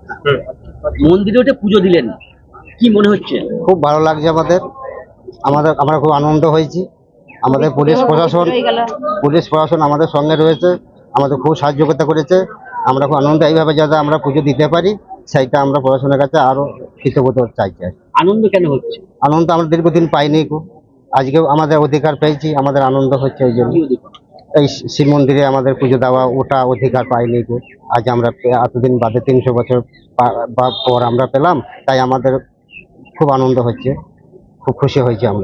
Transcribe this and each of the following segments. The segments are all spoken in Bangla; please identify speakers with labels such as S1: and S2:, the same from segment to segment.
S1: মন্দিরে উঠে পুজো দিলেন, কি মনে হচ্ছে?
S2: খুব ভালো লাগছে আমাদের। আমরা খুব আনন্দ হয়েছি। আমাদের পুলিশ প্রশাসন আমাদের সঙ্গে রয়েছে, আমাদের খুব সাহায্য করেছে। আমরা খুব আনন্দ, এইভাবে যাতে আমরা পুজো দিতে পারি সেইটা আমরা প্রশাসনের কাছে আরো কৃতজ্ঞতা চাইছি।
S1: আনন্দ কেন হচ্ছে?
S2: আনন্দ আমরা দীর্ঘদিন পাইনি, আজকে আমাদের অধিকার পেয়েছি, আমাদের আনন্দ হচ্ছে। এই জন্য এই শিব মন্দিরে আমাদের পুজো দেওয়া ওটা অধিকার পাইনি, আজ আমরা এতদিন বাদে 300 বছর পর আমরা পেলাম, তাই আমাদের খুব আনন্দ হচ্ছে, খুব খুশি হয়েছি আমরা।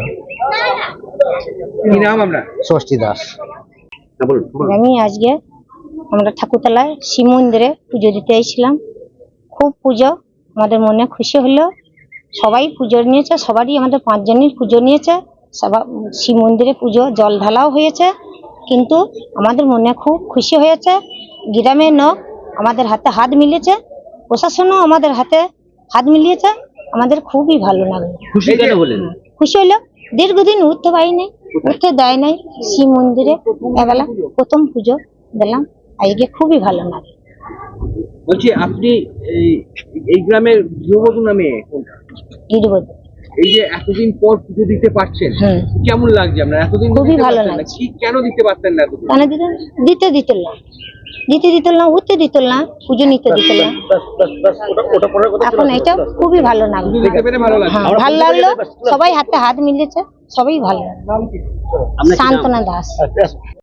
S1: কি নাম? আমরা
S2: ষষ্ঠী দাস।
S3: আমি আজকে আমরা ঠাকুরতলায় শিব মন্দিরে পুজো দিতে এসেছিলাম। খুব পুজো, আমাদের মনে খুশি হলো। সবাই পুজো নিয়েছে, সবারই আমাদের 5 জনের পুজো নিয়েছে। সবাই শিব মন্দিরে পুজো জল ঢালাও হয়েছে, কিন্তু আমাদের মনে খুব খুশি হয়েছে। গ্রামের লোক আমাদের হাতে হাত মিলিয়েছে, প্রশাসনও আমাদের হাতে হাত মিলিয়েছে। আমাদের খুবই ভালো লাগলো।
S1: খুশি কেন বলেন?
S3: খুশি হলো, দীর্ঘদিন উঠতে পারিনি, উঠতে দেয় নাই। শিব মন্দিরে এবেলা প্রথম পুজো দিলাম, আজকে খুবই ভালো লাগে।
S1: বলছি, আপনি এই গ্রামের গৃহবধূ নামে কোনটা?
S3: গিরিবধূ।
S1: এই যে এতদিন পর পুজো দিতে পারছেন, কেমন লাগছে? আপনার এতদিন
S3: খুবই ভালো লাগছে।
S1: কেন দিতে পারতেন না এতদিন?
S3: কেন দিতে না, উঠতে দিত না, পুজো নিতে দিত না। এখন এটা খুবই ভালো লাগলো। ভালো লাগলো, সবাই হাতে হাত মিলিয়েছে, সবাই ভালো লাগলো। শান্তনা দাস।